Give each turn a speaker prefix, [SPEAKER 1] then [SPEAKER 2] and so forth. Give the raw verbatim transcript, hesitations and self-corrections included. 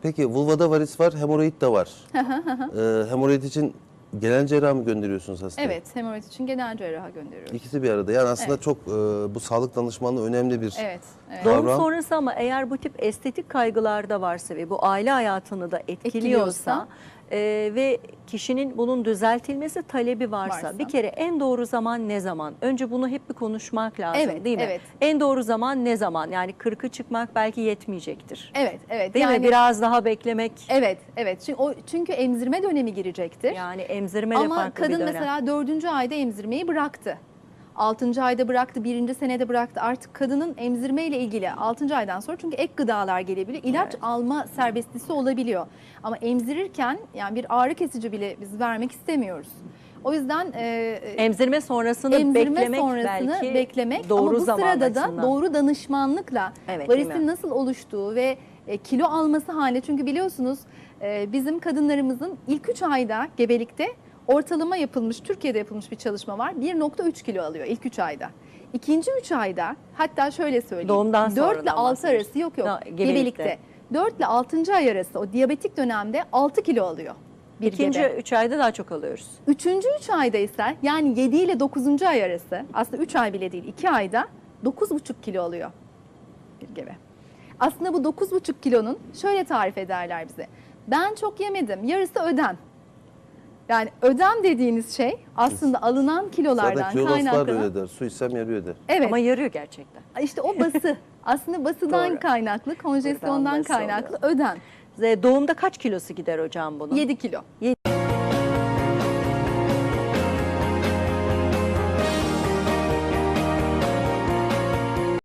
[SPEAKER 1] Peki vulvada varis var, hemoroid de var. ee, hemoroid için genel cerrah mı gönderiyorsunuz hastaya?
[SPEAKER 2] Evet, hemoroid için genel cerraha gönderiyoruz.
[SPEAKER 1] İkisi bir arada. Yani aslında
[SPEAKER 2] Evet.
[SPEAKER 1] çok e, bu sağlık danışmanlığı önemli bir
[SPEAKER 2] Evet, evet.
[SPEAKER 1] kavram.
[SPEAKER 3] Doğum sonrası ama eğer bu tip estetik kaygılarda varsa ve bu aile hayatını da etkiliyorsa,
[SPEAKER 2] Etkiliyorsa.
[SPEAKER 3] e, ve kişinin bunun düzeltilmesi talebi varsa,
[SPEAKER 2] Varsa.
[SPEAKER 3] bir kere en doğru zaman ne zaman? Önce bunu hep bir konuşmak lazım,
[SPEAKER 2] Evet,
[SPEAKER 3] değil mi?
[SPEAKER 2] evet.
[SPEAKER 3] En doğru zaman ne zaman? Yani kırkı çıkmak belki yetmeyecektir.
[SPEAKER 2] Evet, evet.
[SPEAKER 3] Değil
[SPEAKER 2] yani,
[SPEAKER 3] mi? Biraz daha beklemek.
[SPEAKER 2] Evet, evet. Çünkü, o, çünkü emzirme dönemi girecektir.
[SPEAKER 3] Yani emzirme de
[SPEAKER 2] Ama
[SPEAKER 3] farklı
[SPEAKER 2] kadın
[SPEAKER 3] bir dönem.
[SPEAKER 2] mesela dördüncü ayda emzirmeyi bıraktı. Altıncı ayda bıraktı, birinci senede bıraktı. Artık kadının emzirme ile ilgili altıncı aydan sonra çünkü ek gıdalar gelebiliyor. İlaç
[SPEAKER 3] Evet.
[SPEAKER 2] alma serbestlisi olabiliyor. Ama emzirirken yani bir ağrı kesici bile biz vermek istemiyoruz. O yüzden e,
[SPEAKER 3] Emzirme sonrasını
[SPEAKER 2] emzirme
[SPEAKER 3] beklemek
[SPEAKER 2] sonrasını
[SPEAKER 3] belki
[SPEAKER 2] beklemek
[SPEAKER 3] doğru
[SPEAKER 2] ama bu
[SPEAKER 3] zaman
[SPEAKER 2] sırada da
[SPEAKER 3] açısından.
[SPEAKER 2] doğru danışmanlıkla
[SPEAKER 3] Evet, değil
[SPEAKER 2] varisin
[SPEAKER 3] mi?
[SPEAKER 2] nasıl oluştuğu ve e, kilo alması haline, çünkü biliyorsunuz e, bizim kadınlarımızın ilk üç ayda gebelikte ortalama yapılmış, Türkiye'de yapılmış bir çalışma var. bir nokta üç kilo alıyor ilk üç ayda. İkinci üç ayda, hatta şöyle söyleyeyim.
[SPEAKER 3] Doğumdan
[SPEAKER 2] dört ile
[SPEAKER 3] sonradan
[SPEAKER 2] altı
[SPEAKER 3] bahsediyoruz.
[SPEAKER 2] arası yok yok
[SPEAKER 3] Ha,
[SPEAKER 2] gebelikte.
[SPEAKER 3] gebelikte.
[SPEAKER 2] dört ile altıncı ay arası o diyabetik dönemde altı kilo alıyor bir
[SPEAKER 3] İkinci
[SPEAKER 2] gebe.
[SPEAKER 3] üç ayda daha çok alıyoruz.
[SPEAKER 2] Üçüncü üç ayda ise yani yedi ile dokuzuncu ay arası, aslında üç ay bile değil, iki ayda dokuz buçuk kilo alıyor bir gebe. Aslında bu dokuz buçuk kilonun şöyle tarif ederler bize. Ben çok yemedim, yarısı ödem. Yani ödem dediğiniz şey aslında alınan
[SPEAKER 1] Zaten
[SPEAKER 2] kilolardan
[SPEAKER 1] kiloloslar da
[SPEAKER 2] kaynaklanan.
[SPEAKER 1] öyle der. Su içsem yarıyor der.
[SPEAKER 2] Evet.
[SPEAKER 3] Ama yarıyor gerçekten.
[SPEAKER 2] İşte o bası. Aslında basıdan
[SPEAKER 3] Doğru.
[SPEAKER 2] kaynaklı, konjesyondan
[SPEAKER 3] Buradan bası
[SPEAKER 2] kaynaklı
[SPEAKER 3] oluyor.
[SPEAKER 2] ödem.
[SPEAKER 3] Doğumda kaç kilosu gider hocam bunun?
[SPEAKER 2] yedi kilo.